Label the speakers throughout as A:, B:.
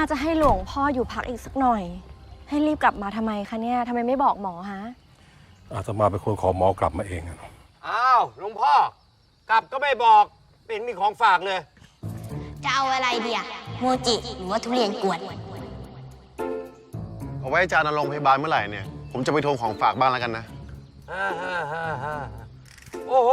A: น่าจะให้หลวงพ่ออยู่พักอีกสักหน่อย ให้รีบกลับมาทำไมคะเนี่ยทำไมไม่บอกหมอฮะ
B: อาตมาเป็นคนขอหมอกลับมาเองอะ
C: อ้าวหลวงพ่อกลับก็ไม่บอกเป็นมีของฝากเลย
D: จะเอาอะไรเดียโมจิหรือว่าทุเรียนกวน
E: เอาไว้อาจารย์นรงค์พยาบาลเมื่อไหร่เนี่ยผมจะไปทวงของฝากบ้างแล้วกันนะ
C: โอ้โห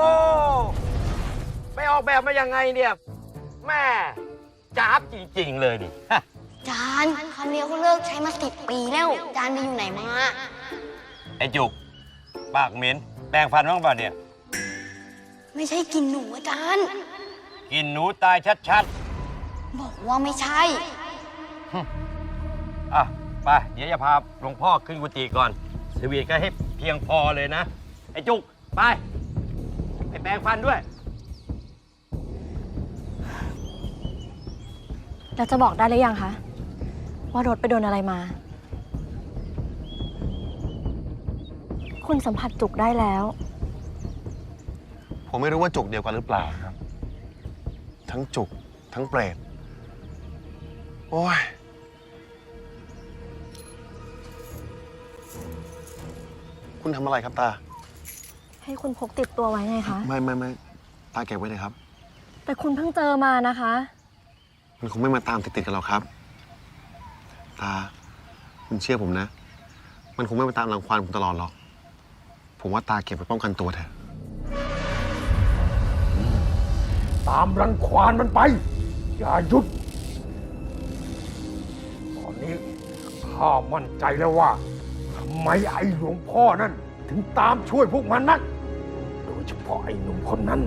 C: ไปออกแบบมายังไงเนี่ยแม่จ้าบจริงๆเลยดิ
D: จานคำเดียวเขาเลิกใช้มา10 ปีแล้วจานไปอยู่ไหนมา
C: ไอ้จุกปากเหม็นแปรงฟันบ้างป่ะเนี่ย
D: ไม่ใช่กินหนูอาจารย์
C: กินหนูตายชัด
D: ๆบอกว่าไม่ใช่
C: อ่ะไปเดี๋ยวจะพาหลวงพ่อขึ้นกุฏิก่อนสวีทก็ให้เพียงพอเลยนะไอ้จุกไปแปรงฟันด้วย
A: แล้วจะบอกได้หรือยังคะว่ารถไปโดนอะไรมาคุณสัมผัสจุกได้แล้ว
E: ผมไม่รู้ว่าจุกเดียวกันหรือเปล่าครับทั้งจุกทั้งเปรตโอ้ยคุณทำอะไรครับตา
A: ให้คุณพกติดตัวไว้ไงคะ
E: ไม่ตาเก็บไว้เลยครับ
A: แต่คุณเพิ่งเจอมานะคะ
E: มันคงไม่มาตามติดกันหรอกครับตาคุณเชื่อผมนะมันคงไม่มาตามรังควานผมตลอดหรอกผมว่าตาเก็บไว้ป้องกันตัวเถอะ
B: ตามรังควานมันไปอย่าหยุดตอนนี้ข้ามั่นใจแล้วว่าทำไมไอ้หลวงพ่อนั่นถึงตามช่วยพวกมันนักโดยเฉพาะไอ้หนุ่มคนนั้น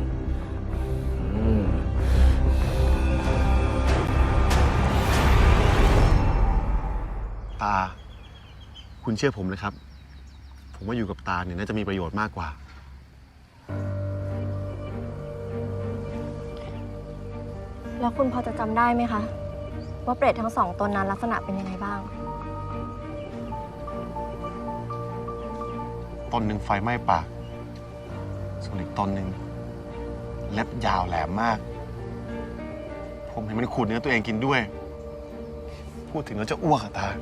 E: ตาคุณเชื่อผมนะครับผมว่าอยู่กับตาเนี่ยน่าจะมีประโยชน์มากกว่า
A: แล้วคุณพอจะจำได้ไหมคะว่าเปรตทั้งสองตนนั้นลักษณะเป็นยังไงบ้าง
E: ตนหนึ่งไฟไหม้ปากส่วนอีกตนหนึ่งเล็บยาวแหลมมากผมเห็นมันขูดเนื้อตัวเองกินด้วยพูดถึงแล้วจะอ้วกอะตา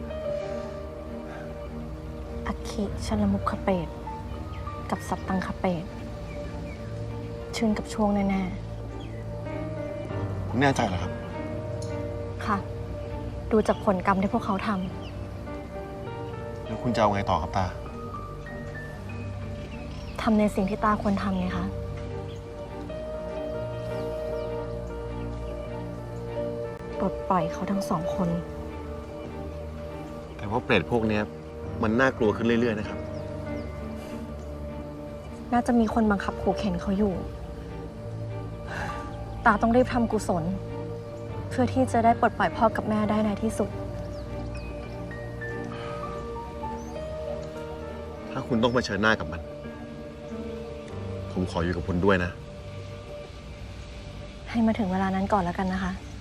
A: อัคคิชลมุขเปรตกับสัตตังคเปรตชื่นกับช่วงแน่
E: ผมแน่ใจเหรอครับ
A: ค่ะดูจากผลกรรมที่พวกเขาท
E: ำแล้วคุณจะเอาไงต่อครับตา
A: ทำในสิ่งที่ตาควรทำไงคะปลดปล่อยเขาทั้งสองคน
E: แต่ว่าเปรตพวกนี้มันน่ากลัวขึ้นเรื่อยๆนะครับ
A: น่าจะมีคนบังคับขู่เข็นเขาอยู่ตาต้องรีบทำกุศลเพื่อที่จะได้ปลดปล่อยพ่อกับแม่ได้ในที่สุด
E: ถ้าคุณต้องเผชิญหน้ากับมันผมขออยู่กับคุณด้วยนะ
A: ให้มาถึงเวลานั้นก่อนแล้วกันนะคะ